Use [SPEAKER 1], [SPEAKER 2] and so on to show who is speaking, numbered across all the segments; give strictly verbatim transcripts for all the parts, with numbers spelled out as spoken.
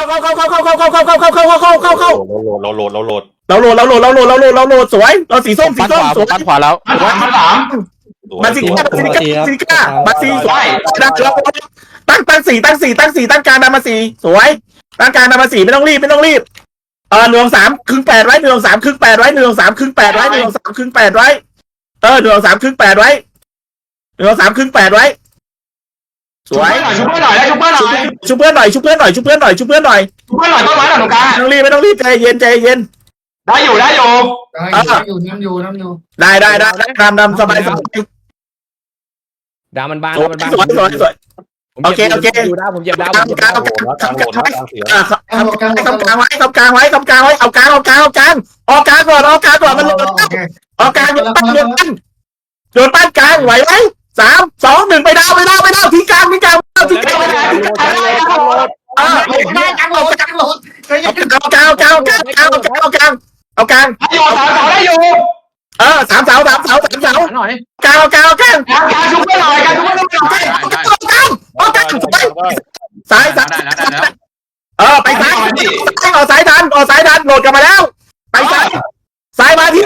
[SPEAKER 1] เข้าเข้าเข้าเข้าเข้าเข้าเข้าเข้าเข้าเข้าเข้าเข้าเข้าเข้า
[SPEAKER 2] เราโหลดเราโหลด
[SPEAKER 1] เราโหลดเราโหลดเราโหลดเราโหลดเราโหลดสวยเราสีส้มสีส้มสวย
[SPEAKER 3] ปั้นขวาแล้ว
[SPEAKER 4] มันสามมันสาม
[SPEAKER 1] มาสีก้ามาสีก้ามาสีก้ามาสีสวยดังเราตั้งตั้งสี่ตั้งสี่ตั้งสี่ตั้งการนำมาสี่สวยตั้งการนำมาสี่ไม่ต้องรีบไม่ต้องรีบเออหนึ่งสามครึ่งแปดไว้หนึ่งสามครึ่งแปดไว้หนึ่งสามครึ่งแปดไว้หนึ่งสามครึ่งแปดไว้เออหนึ่งสามครึ่งแปดไว้หนึ่งสามครึ่งแปดไว้สวย
[SPEAKER 4] ชุบเพื่อนหน่อยได้ชุบเพื่อนหน่อย
[SPEAKER 1] ชุบเพื่อนหน่อยชุบเพื่อนหน่อยชุบเพื่อนหน่อยชุบเพื่อนหน่อย
[SPEAKER 4] ชุบเพื่อนหน่อยต้นไม้หน่อยตรงกลาง
[SPEAKER 1] ไม่ต้องรีบไม่ต้องรีบใจเย็นใจเย็น
[SPEAKER 4] ได้อยู่ได้อยู่
[SPEAKER 5] ได้อยู่น้ำอยู่น้ำอยู่
[SPEAKER 1] ได้ได้ได้นำนำสบายสบาย
[SPEAKER 3] ดาวมันบาง
[SPEAKER 1] สวย
[SPEAKER 3] มันบาง
[SPEAKER 1] สวยสวยสวย โอเคโอเค
[SPEAKER 3] ดูดาวผมเหยียบดาว
[SPEAKER 1] กลาง
[SPEAKER 3] ผม
[SPEAKER 1] กลาง
[SPEAKER 2] โหลดแล้วกลางโหลดแล้วกลางเสีย
[SPEAKER 1] อ่าทำกลางไว้ทำกลางไว้ทำกลางไว้เอากลางเอากลางเอากลางออกกลางก่อนออกกลางก่อนมันหลุดออกกลางโยนปั้นโยนปั้นโยนปั้นกลางไหวไหมสามสองหนึ่งไปดาวไปดาวไปดาวทิ้งกลางทิ้งกลางทิ้งกลางเออ
[SPEAKER 5] ไม่กลางโหลดกลางโหลด
[SPEAKER 1] เอากลางเอากลางเอากลางเอากลางเอากลางเอากลาง
[SPEAKER 4] ได้อยู่สามเสาได้อยู่
[SPEAKER 1] เออสามเสาสามเสาสามเสา
[SPEAKER 3] หน่อย
[SPEAKER 1] กลางเอากลางเอากลาง
[SPEAKER 4] การการชุบเพื่อนหน่อยการชุบเพื่อนหน่อย
[SPEAKER 1] เอากลางเอากลางซ้ายซ้ายเออไปซ้ายออกซ้ายทันออกซ้ายทันโหลดกลับมาแล้วไปซ้ายซ้ายมาที่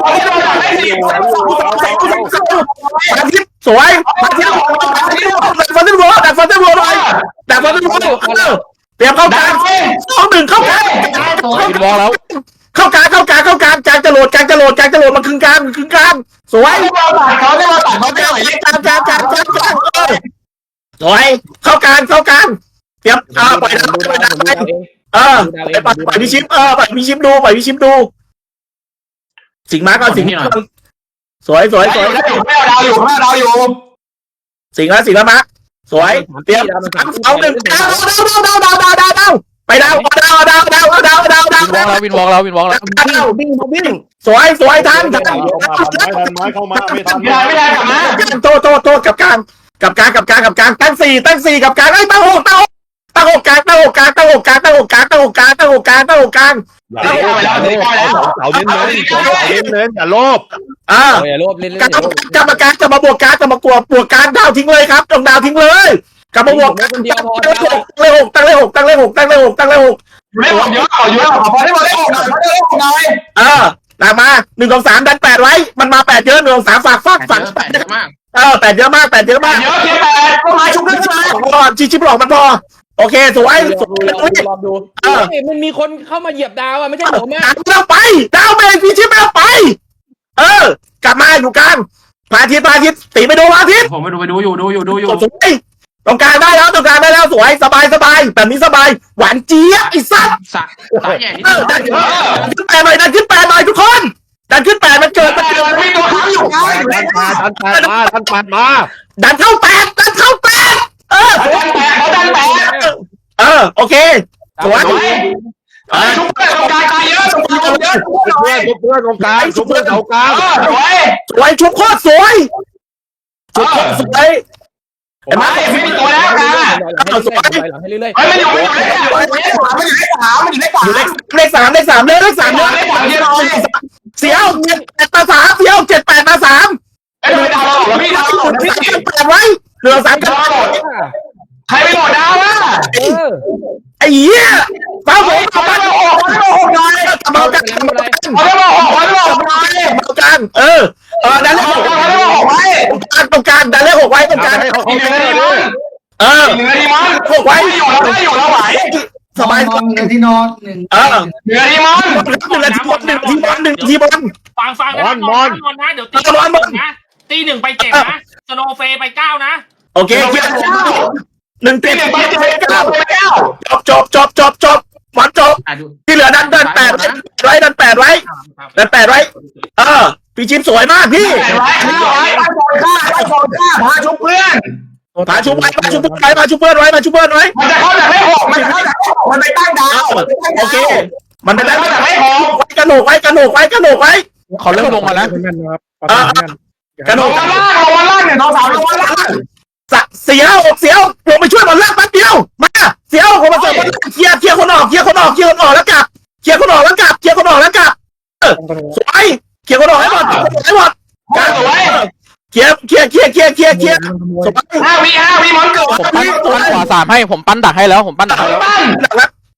[SPEAKER 1] มาที่สวยมาที่ดักฟันเดอร์โรดักฟันเดอร์โรหน่อยดักฟันเดอร์โรเตรียมเข้ากลางสองหนึ่งเข้ากลาง
[SPEAKER 3] วินวอลแล้ว
[SPEAKER 1] เข้ากลางเข้ากลางเข้ากลางกลางจะโหลดกลางจะโหลดกลางจะโหลดมาครึ่งกลางครึ่งกลางสวย
[SPEAKER 4] เราตัดเขาได้เราตัดเขาได้
[SPEAKER 1] กลางกลางกลางกลางกลางสวยเข้ากลางเข้ากลางเตรียมอ่าปล่อยปล่อยไปเออปล่อยปล่อยพี่ชิปเออปล่อยพี่ชิปดูปล่อยพี่ชิปดูสิงมาก่อนสิงสวยสวยสวย
[SPEAKER 4] ได้อยู่ไม่เอาดาวอยู่ไม่เอาดาวอยู่
[SPEAKER 1] สิงแล้วสิงแล้วมาสวยเตรียมเอาหนึ่งดาวดาวดาวดาวดาวดาวดาวไปดาวดาวดาวดาวดาวดาวดาวดาว
[SPEAKER 3] วินวอลแล้ววินวอลแล้ววินวอลแล้ว
[SPEAKER 1] ดาววิ่งวิ่งสวยสวยทันทัน
[SPEAKER 2] ไม้เข้ามาไม่ทัน
[SPEAKER 4] ไม่ได้ไม่ได้กลับมา
[SPEAKER 1] โตโตโตกับกลางกับกลางกับกลางกับกลางตั้งสี่ตั้งสี่กับกลางไอ้ตั้งหกตั้งหกตั้งหกกลางตั้งหกกลางตั้งหกกลางตั้งหกกลางตั้งหกกลางตั้งหกกลางตั้งหกกลาง
[SPEAKER 2] อย่าโลภเสาเน้นเน้นเสาเน้นเน้นอย่าโลภ
[SPEAKER 1] อ่า
[SPEAKER 3] อย่าโลภเล่น
[SPEAKER 1] กรรมกรรมการจะมาบวกการจะมากวดบวกการดาวทิ้งเลยครับต้องดาวทิ้งเลยกลับมาบวก
[SPEAKER 3] คนเดียวพอ
[SPEAKER 1] ตั้งเลขหกตั้งเลขหกตั้งเลขหกตั้งเลขหกตั้งเลขหก
[SPEAKER 4] ไม่หมดเยอะขอเยอะขอได้หมดได้หมดได้หมดหน่อย
[SPEAKER 1] เออหลังมาหนึ่งสองสามดันแปดไว้มันมาแปดเยอะหนึ่งสองสามฝากฝากฝาก
[SPEAKER 3] แปดเยอะมาก
[SPEAKER 1] เออแปดเยอะมากแปดเยอะมาก
[SPEAKER 4] เยอะเพียงแต่ต้นไม้ชุบเพื่อนมา
[SPEAKER 1] พอชิชิบหลอกมันพอโอเคสวยสวย
[SPEAKER 3] รอดูมันมีคนเข้ามาเหยียบดาวอ่ะไม่ใช่ผมอ่ะ
[SPEAKER 1] หันเราไปดาวเมงพี่ชิบเราไป เออกลับมาอยู่กลางพระอาทิตย์พระอาทิตย์ตีไปดูพระอาทิตย์
[SPEAKER 4] ผมไปดูไปดูอยู่ดูอยู่ดูอยู่
[SPEAKER 1] สวยตรงกลางได้แล้วตรงกลางได้แล้วสวยสบายสบายแบบนี้สบายหวานเจี๊ยบไอ้สัส
[SPEAKER 3] สะสายใหญ่นิด
[SPEAKER 1] เออดันขึ้นแปดหน่อยดันขึ้นแปดหน่อยทุกคนดันขึ้นแปดมันเกิดมันเกิด
[SPEAKER 4] มีตัวค้างอยู่ไง
[SPEAKER 2] ทันมาทันแปดมาทันแปดมา
[SPEAKER 1] ดันเข้าแปดดันเข้าแปดเออ
[SPEAKER 4] ดันแปะเขาดันแปะ
[SPEAKER 1] เออโอเคสวย
[SPEAKER 4] เออชุบเพื่อนตรงกลางตายเยอะชุบเพื่อนเยอะ
[SPEAKER 2] เพื่อนเพื่อนตรงกลางเพื่อนเสากลาง
[SPEAKER 4] เออสวย
[SPEAKER 1] สวยชุบโคตรสวยชุบโคตรสวย
[SPEAKER 4] เห็นไหมไม่มีตัวแล้วค่ะ
[SPEAKER 3] ให้เรื่อย
[SPEAKER 4] เฮ้ยมันอยู่มันอยู่เลขสามมันอยู่เลขสามมันอยู่เลขสาม
[SPEAKER 1] อยู่เลขเลขสามเลขสามเลยเลขสามเลย
[SPEAKER 4] เลขสามเยอะเลย
[SPEAKER 1] เสียวเจ็ดแปดมาสามเสียวเจ็ดแปดมาสาม
[SPEAKER 4] เอ้ยทำไมดาวเราหรอพี่ดาวเราหรอพี่
[SPEAKER 1] แปดไว้เหลือสามกัน
[SPEAKER 4] ใครไปโหลดดาวอ่ะ
[SPEAKER 3] เออ
[SPEAKER 1] ไอ้เหี้ยฟ้าผม
[SPEAKER 4] เขา
[SPEAKER 1] กลับ
[SPEAKER 4] ไม่
[SPEAKER 1] มา
[SPEAKER 4] มาออกเขาไม่มาออกไง
[SPEAKER 1] กลับมากันกลับมากัน
[SPEAKER 4] เขาไม่มาออกเขาไม่มาออกไง
[SPEAKER 1] กลับมากันเออเออดันเลขหก
[SPEAKER 4] เขาไม่มาออกไว้
[SPEAKER 1] ตรงกลางดันเลขหกไว้ตรงกลาง
[SPEAKER 2] ให้เขาเขา
[SPEAKER 4] เหนื
[SPEAKER 2] ไม่
[SPEAKER 4] อ
[SPEAKER 2] ได้
[SPEAKER 4] ดี
[SPEAKER 2] เล
[SPEAKER 4] มั้
[SPEAKER 2] ย
[SPEAKER 4] ง
[SPEAKER 1] เออ
[SPEAKER 4] เหนือดีมั้ง
[SPEAKER 1] หกไว้
[SPEAKER 4] ไม่อยู่แล้วไม่อยู่แล้วไหว
[SPEAKER 1] สบาย
[SPEAKER 5] นอนหนึ่งที่นอนหนึ่ง
[SPEAKER 1] เออ
[SPEAKER 4] เหนือดีมั้ง
[SPEAKER 1] หนึ่งนาทีบอลหนึ่งนาทีบอลหนึ่งนาทีบอล
[SPEAKER 6] ฟังฟังนะมอนมอนนะเดี๋ยวตีนะตีหนึ่งไปเจ็ดนะสโนเฟไปเก้านะ
[SPEAKER 1] โอเคเคลียร์หนึ่ง
[SPEAKER 4] ตี
[SPEAKER 1] เจ็ด
[SPEAKER 4] หนึ่งไปเจ็ดไปเก้าไปเก้า
[SPEAKER 1] จบจบจบจบจบหมดจบ
[SPEAKER 6] อ่ะดู
[SPEAKER 1] ที่เหลือดันดันแปดไว้ดันแปดไว้ดันแปดไว้เออพี่ชิปสวยมากพี่
[SPEAKER 4] ไว้ไว้ไว้ไว้โดนฆ่าไว้โดนฆ่าพาชุบเพื่อน
[SPEAKER 1] มาชุบไว้มาชุบไว้มาชุบเพื่อนไว้มาชุบเพื่อนไว้
[SPEAKER 4] มันจะเข้าจากเลขหกมันจะเข้าจากเลขหกมันไปตั้งดาว
[SPEAKER 1] โอเค มัน
[SPEAKER 4] มัน
[SPEAKER 1] ได้
[SPEAKER 4] จะเข้าจากเลขหก
[SPEAKER 1] ไว้กระโหนกไว้กระโหนกไว้กระโหนกไว้
[SPEAKER 3] เขาเริ่มลงมาแล้ว
[SPEAKER 1] เออกระโหน
[SPEAKER 4] ล
[SPEAKER 1] ก
[SPEAKER 4] งมาล่างลงมาล่างเนี่ยน้องสาวลงมาล่าง
[SPEAKER 1] เสียวอกเสียวลงไปช่วยบอลล่างแป๊บเดียวมาเสียวผมมาเสิร์ฟเคลียร์เคลียร์คนออกเคลียร์คนออกเคลียร์คนออกแล้วกลับเคลียร์คนออกแล้วกลับเคลียร์คนออกแล้วกลับเออสวยเคลียร์คนออกให้หมดให้หมดการสวยเคลียร์เคลียร์เคลียร์เคลียร์เคลียร์เคลียร์สวย
[SPEAKER 4] ห้าวิห้าวิมอนเกิด
[SPEAKER 3] ผมปั้นปั้นขวาสามให้ผมปั้นดักให้แล้วผมปั้นดักให้แล้ว
[SPEAKER 4] ปั้น
[SPEAKER 1] ดักแล้ว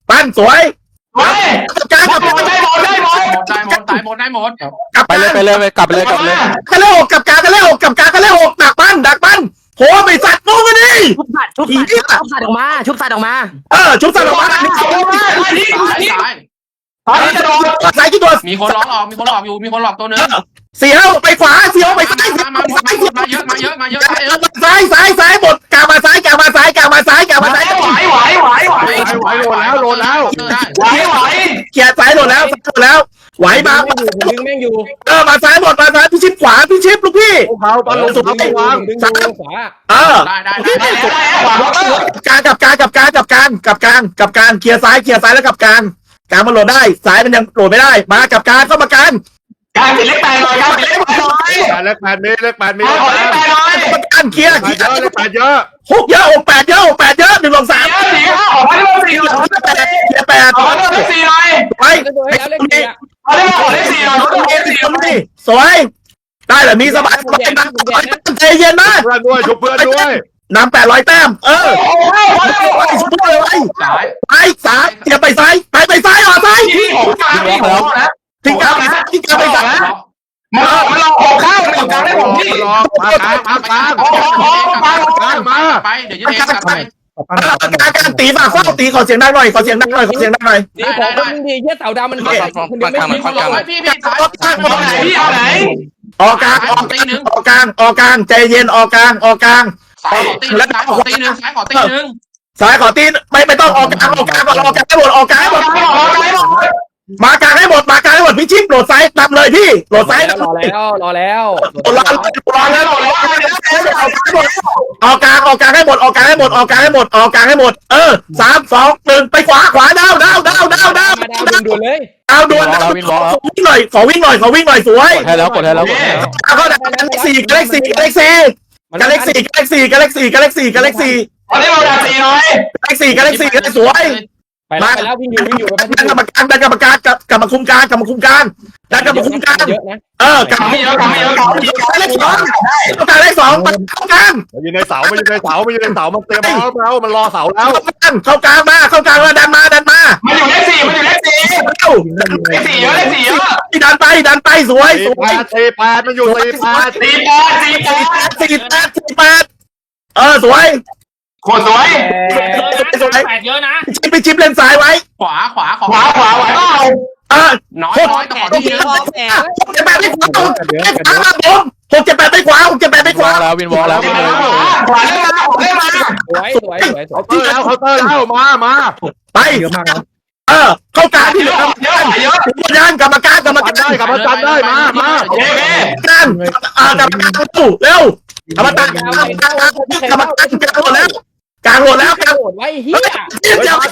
[SPEAKER 1] ปั้นสวย
[SPEAKER 4] เฮ้ย
[SPEAKER 1] กลาง
[SPEAKER 4] ได้
[SPEAKER 1] กับ
[SPEAKER 4] หมดได้หมดได้หมด
[SPEAKER 7] ได้หมดได้หมดได้หมด
[SPEAKER 1] กลับ
[SPEAKER 2] ไปเลยไปเลยไปกลับไปเลยกลับไปเลย
[SPEAKER 1] กันเลยหกกับกลางกันเลยหกกับกลางกันเลยหกดักปั้นดักปั้นโหไปสัตว์งูกันดิ
[SPEAKER 8] ชุบสัตว์ชุบสัตว์ชุบสัตว์ออกมาชุบสัตว์ออกมา
[SPEAKER 1] เออชุบสัตว์ออกมา
[SPEAKER 4] ไอ้นี่
[SPEAKER 7] ซ้าย
[SPEAKER 4] ไอ้นี่
[SPEAKER 7] ซ้าย
[SPEAKER 4] ไอ้นี่จะโดน
[SPEAKER 1] สายกี่ตัว
[SPEAKER 7] มีคนล็อกออกมีคนหลอกอยู่มีคนหลอกตัวนึง
[SPEAKER 1] เสียวไปขวาเสียวไปซ้าย
[SPEAKER 7] มามามามาเยอะมาเยอะมาเยอะมาเยอะ
[SPEAKER 1] ซ้ายซ้ายซ้ายหมดกามาซ้ายกามาซ้ายกามาซ้ายกามาซ้าย
[SPEAKER 4] ไหวไหวไหวไหว
[SPEAKER 2] ไหวโหลดแล้วโหลดแล้ว
[SPEAKER 4] ไหวไหว
[SPEAKER 1] เกียร์ซ้ายหมดแล้วหมดแล้วไหวมา
[SPEAKER 3] ดึงแม่งอยู่
[SPEAKER 1] เออมาซ้ายหมดมาซ้ายพี่ชิปขวาพี่ชิปลูกพี่
[SPEAKER 2] เขาตอนลงสุดเขาวาง
[SPEAKER 3] ดึงอยู่ขวา
[SPEAKER 1] เออ
[SPEAKER 7] ได้ได้ได้
[SPEAKER 4] ขวาบล็อก
[SPEAKER 1] การกับการกับการกับการกับการกับการเคลียร์ซ้ายเคลียร์ซ้ายแล้วกับการการมันโหลดได้ซ้ายมันยังโหลดไม่ได้มากับการเข้ามาการ
[SPEAKER 4] การปิดเล็กแปดหน่อยการปิดเล็กแปดหน่อย
[SPEAKER 2] เลขแปดมีเลขแปดมี
[SPEAKER 4] ขอเล็กแปดหน่อย
[SPEAKER 1] การเคลียร์
[SPEAKER 2] เลขแปดเยอะเลขแปดเยอะ
[SPEAKER 1] หกเยอะหกแปดเยอะหกแปดเยอะหนึ่งสองสาม
[SPEAKER 4] เยอะสี่ห้าออกมาได้หมดสี่หน่อย
[SPEAKER 1] แปดเคลียร์แปด
[SPEAKER 4] ออกมาได้หมดสี่หน่อย
[SPEAKER 1] ไป
[SPEAKER 3] แล้วตัวแล้วเล็กเนี่ย
[SPEAKER 4] เอาได้หมดได้สี่หน่อยเขาต้องเกณฑ์สี่หน่อย
[SPEAKER 1] สวยได้เหรอมีสบายสบายนะใจเย็นนะ
[SPEAKER 2] เพื่อนด้วยชุบเพื่อนด้วย
[SPEAKER 1] นำแปดร้อยแต้มเออ
[SPEAKER 4] โอ้โห
[SPEAKER 1] ไปสุดเลยไป
[SPEAKER 7] ซ้าย
[SPEAKER 1] ไปสามเกียร์ไปซ้ายไปไปซ้ายอ่ะซ้าย
[SPEAKER 4] ที่หกกลางที่หกนะ
[SPEAKER 1] ทิ้งกลางไปซ้ายทิ้งกลางไปซ้าย
[SPEAKER 4] มามาลองหกข้างหนึ่งกลางได้ผมพี่
[SPEAKER 2] รอมากลางมากลาง
[SPEAKER 4] โอ้โหมาก
[SPEAKER 2] ลางมา
[SPEAKER 7] ไปเดี๋ยวจะเทกลับไป
[SPEAKER 1] การการตีฝากข้อตีขอเสียงดังหน่อยขอเสียงดังหน่อยขอเสียงดังหน่อย
[SPEAKER 3] ดีของคนดีเยี่ยเต่าดำมันมันดึงไม่
[SPEAKER 7] มีคนหลอกไว้พี่พี่ซ้าย
[SPEAKER 4] เอาไหนพี่เอาไหน
[SPEAKER 1] ออกกลางออกกลางออกกลางออกกลางใจเย็นออกกลางออกกลาง
[SPEAKER 7] ซ้ายขอตีนึงซ้ายขอตีนึงซ้ายขอตีนึง
[SPEAKER 1] ซ้ายขอตีไม่ไม่ต้องออกกลางออกกลางก่อนออกกลางให้หมดออกกลางให้หมดมากลางให้หมดมากลางให้หมดพี่ชิปโหลดซ้ายตามเลยพี่โหลดซ้าย
[SPEAKER 3] รอแล้วรอแล้ว
[SPEAKER 1] รอรอแล้วรอแล้วออกกลางออกกลางให้หมดออกกลางให้หมดออกกลางให้หมดออกกลางให้หมดเออสามสองหนึ่งไปขวาขวาดาวดาวดาวดาวดาว
[SPEAKER 3] มาดาวด่วนเลย
[SPEAKER 1] ดาวด่วนขอวิ่งหน่อยขอวิ่งหน่อยขอวิ่งหน่อยสวย
[SPEAKER 2] กดให้แล้วกดให้แล้วกดให้แล้ว
[SPEAKER 1] เข้าดักกาแล็กซี่กาแล็กซี่กาแล็กซี่กาแล็กซี่กาแล็กซี่กาแล็กซี่กาแล็กซี่กาแล็กซี่
[SPEAKER 4] เอาได้เราด่าสี่หน่อย
[SPEAKER 1] กาแล็กซี่กาแล็กซี่กาแล็กสวย
[SPEAKER 3] ไปแล้วไปแล้ววิ่งอยู่วิ่งอยู่ไป
[SPEAKER 1] ดันกรรมการดันกรรมการกับกรรมคุมการกรรมคุมการดันกรรมคุมการ
[SPEAKER 3] เยอะนะ
[SPEAKER 1] เออกรรม
[SPEAKER 4] ทำไม่เยอะทำไม่เยอะทำไม่เยอะ
[SPEAKER 1] เลขสองต้องการเลขสองเข้ากลาง
[SPEAKER 2] มันอยู่ในเสามันอยู่ในเสามันอยู่ในเสามันเตรียมเอาแล้วมันรอเสาแล้ว
[SPEAKER 1] เข้ากลางเข้ากลางมาเข้ากลางมาดันมาดันมา
[SPEAKER 4] มันอยู่เลขสี่มันอยู่เลขสี่
[SPEAKER 1] เอ้า
[SPEAKER 4] เลขสี่เยอะเลขสี่เยอะ
[SPEAKER 1] ดันไปดันไปสวยส
[SPEAKER 2] สี่
[SPEAKER 1] ว
[SPEAKER 2] แป
[SPEAKER 1] ย
[SPEAKER 2] ดสี่แปดมันอยู่สี่แปด
[SPEAKER 4] สี่แปดสี่แปด
[SPEAKER 1] สี่แปดสี่แปดเออสวย
[SPEAKER 4] โคตรสวย
[SPEAKER 6] แปดเยอะนะ
[SPEAKER 1] ชิปไปชิปเลนซ้ายไว้
[SPEAKER 7] ขวาขวาข
[SPEAKER 4] ขวาขวาไหวเปล่า
[SPEAKER 1] เออ
[SPEAKER 7] น้อย
[SPEAKER 1] หก
[SPEAKER 7] น้อยแต่ขอตีนึง
[SPEAKER 1] หกเจ็ดแปดไปขวาหกเจ็ดแปดครับผมหกเจ็ดแปดไปขวาหกเจ็ดแปดไปข
[SPEAKER 2] วอ
[SPEAKER 1] วา
[SPEAKER 2] ลแล้ววินวอลแล้ว
[SPEAKER 4] ขวาขวาได้มาขวาได้มา
[SPEAKER 3] สวยสวยสวยสวย
[SPEAKER 2] เคาน์เตอร์แล้วเคาน์เตอร์แล้วมามา
[SPEAKER 1] ไปเยอะมากเออเข้ากลางที่เหลือ
[SPEAKER 4] เยอะเยอะ
[SPEAKER 1] ยานกรรมการกรรมการ
[SPEAKER 2] ได้กลับมาจันได้มามา
[SPEAKER 4] โอเคโอเค
[SPEAKER 1] การอ่ากรรมการตู้เร็วกรรมการกรรมการกรรมการกรรมการกลางหมดแล้วกลางหมดแล้วกลาง
[SPEAKER 3] โหดไว้เฮีย
[SPEAKER 1] เดี๋ยว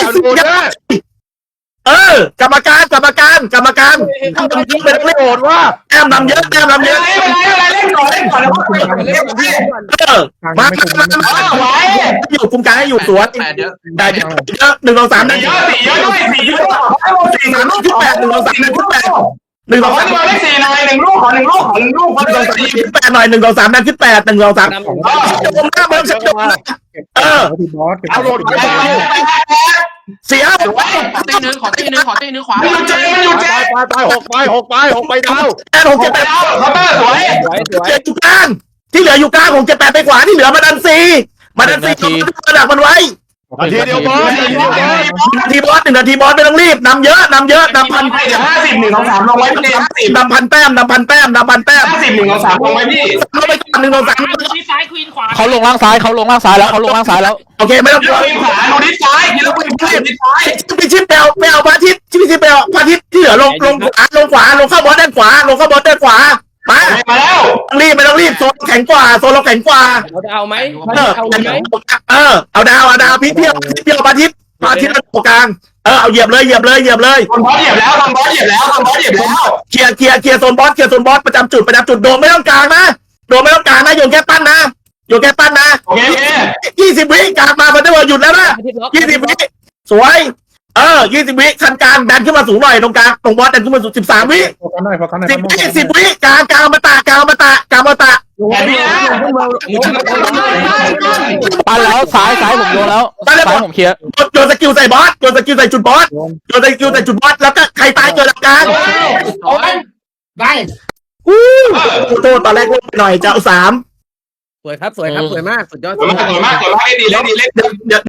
[SPEAKER 1] เออกรรมการกรรมการกรรมการทำยิงเป็นเล่น
[SPEAKER 2] โหดว่า
[SPEAKER 1] แต้มนำเยอะแต้มนำเย
[SPEAKER 4] เล่น
[SPEAKER 1] อะ
[SPEAKER 4] อะไรอะไรเล่นก่อนเล่นก่อนแล้ว
[SPEAKER 3] เล่นกับพี่ก่อน
[SPEAKER 1] เออมามามา
[SPEAKER 4] ไหว
[SPEAKER 1] อยู่คุมการให้อยู่สวน
[SPEAKER 7] แปดเยอะ
[SPEAKER 1] ได้เยอะหนึ่งสองสามนั่น
[SPEAKER 4] เยอะสี่เยอะด้วยสี่เยอะสี่
[SPEAKER 1] สี่สามชุดแปดหนึ่งสองสามนั่นชุดแปดหนึ่ง
[SPEAKER 4] ข
[SPEAKER 1] ส
[SPEAKER 4] อ
[SPEAKER 1] องสาม
[SPEAKER 4] ให้มาเลขสี่หน่อยหนึ่งลูกขอหนึ่งลูกขอหนึ่งลูกขอห
[SPEAKER 1] หนึ่
[SPEAKER 4] นึ่
[SPEAKER 1] ง
[SPEAKER 4] ง
[SPEAKER 1] สองสาม
[SPEAKER 4] สี่
[SPEAKER 1] ชุดแปดหน่อยหนึ่งสองสามนั่นชุดแปดหนึ่งสองสาม
[SPEAKER 3] นำของ
[SPEAKER 1] จะดมหน้าเบิ้มจะดมเออ
[SPEAKER 2] เอาโหลดไป
[SPEAKER 1] เสีย
[SPEAKER 7] ขอตีนึงขอตีนึงขอตีนึงขวา
[SPEAKER 4] มันหยุดเจ๊มันหยุด
[SPEAKER 2] ไป
[SPEAKER 4] เจ๊
[SPEAKER 2] ไปไปหกไปหกไปหกไปดาว
[SPEAKER 1] แปดหกเจ็ด
[SPEAKER 4] ไป
[SPEAKER 1] แปด
[SPEAKER 4] แล้วเคาน์เตอร์สวย
[SPEAKER 3] สวยสวย
[SPEAKER 1] เจ็ดอยู่กลางที่เหลืออยู่กลางของเจ็ดแปดไปขวาที่เหลือมาดันซีมาดันซีระดับมันไว้
[SPEAKER 2] นาทีเดียวบอลนาทีเดียวบอล
[SPEAKER 1] นาทีบอสหนึ่งนาทีบอสไม่ต้องรีบนำเยอะนำเยอะนำพัน
[SPEAKER 4] เดี๋ยวห้าสิบหนึ่งสองสามลงไว้พี่ห้าสิบ
[SPEAKER 1] นำพันแต้มนำพันแต้มนำพันแต้ม
[SPEAKER 4] ห้าสิบหนึ่งสองสามลงไว้พี่
[SPEAKER 1] เข้าไปก่อนหนึ่งสองสาม
[SPEAKER 6] ที่ซ้ายควีนขวา
[SPEAKER 2] เขาลงล่างซ้ายเขาลงล่างซ้ายแล้วเขาลงล่างซ้ายแล้ว
[SPEAKER 1] โอเคไม่ต้องกลัว
[SPEAKER 4] ดูขวาดูดิซ้ายกินแล้วดูดิซ้าย
[SPEAKER 1] ไปชิปแปลวแปลวพระอาทิตย์ชิปชิปแปลวพระอาทิตย์ที่เหลือลงลงขวาลงขวาลงเข้าบอสด้านขวาลงเข้าบอสด้านขวามา
[SPEAKER 4] มาแล้ว
[SPEAKER 1] รีบไม่ต้องรีบโซนแข็งกว่าโซนเราแข็งกว่า
[SPEAKER 3] เราจะเอาไหม
[SPEAKER 1] เออ
[SPEAKER 3] เอาไหม
[SPEAKER 1] เออเอาดาวเอาดาวพี่เพียวพี่เพียวพระอาทิตย์พระอาทิตย์ตรงกลางเออเอาเหยียบเลยเหยียบเลยเหยียบเลย
[SPEAKER 4] ทำบอสเหยียบแล้วทำบอสเหยียบแล้วทำบอสเหยียบแล้ว
[SPEAKER 1] เคลียร์เคลียร์เคลียร์โซนบอสเคลียร์โซนบอสประจำจุดประจำจุดโดนไม่ต้องกลางนะโดนไม่ต้องกลางนะโยนแค่ปั้นนะโยนแค่ปั้นนะ
[SPEAKER 4] โอเคโอเค
[SPEAKER 1] ยี่สิบวิกลางมาพันเดอร์หยุดแล้วนะยี่สิบวิสวยเออยี่สิบวิคันกลางดันขึ้นมาสูงหน่อยตรงกลางตรงบอสดันขึ้นมาสูงสิบสามวิสิบวิสิบวิกลางกลางมาตะกลางมาตะกลางมาตะ
[SPEAKER 3] ดู
[SPEAKER 4] แต่นี่นะ
[SPEAKER 2] ปันแล้วซ้ายซ้ายผมโยนแล้วซ้ายผมเคลียร์
[SPEAKER 1] โยนสกิลใส่บอสโยนสกิลใส่จุดบอสโยนสกิลใส่จุดบอสแล้วก็ใครตายเกิดหลักการ
[SPEAKER 7] โอ้ย
[SPEAKER 5] ได้
[SPEAKER 1] โทษตอนแรกลงไปหน่อยจะเอาสาม
[SPEAKER 3] สวยครับสวยครับสวยมากสุดยอด
[SPEAKER 4] สวยมากสวยมากสวยมากเล่นดีเล่นดีเล่น
[SPEAKER 1] เดี๋ยวเดี๋ยว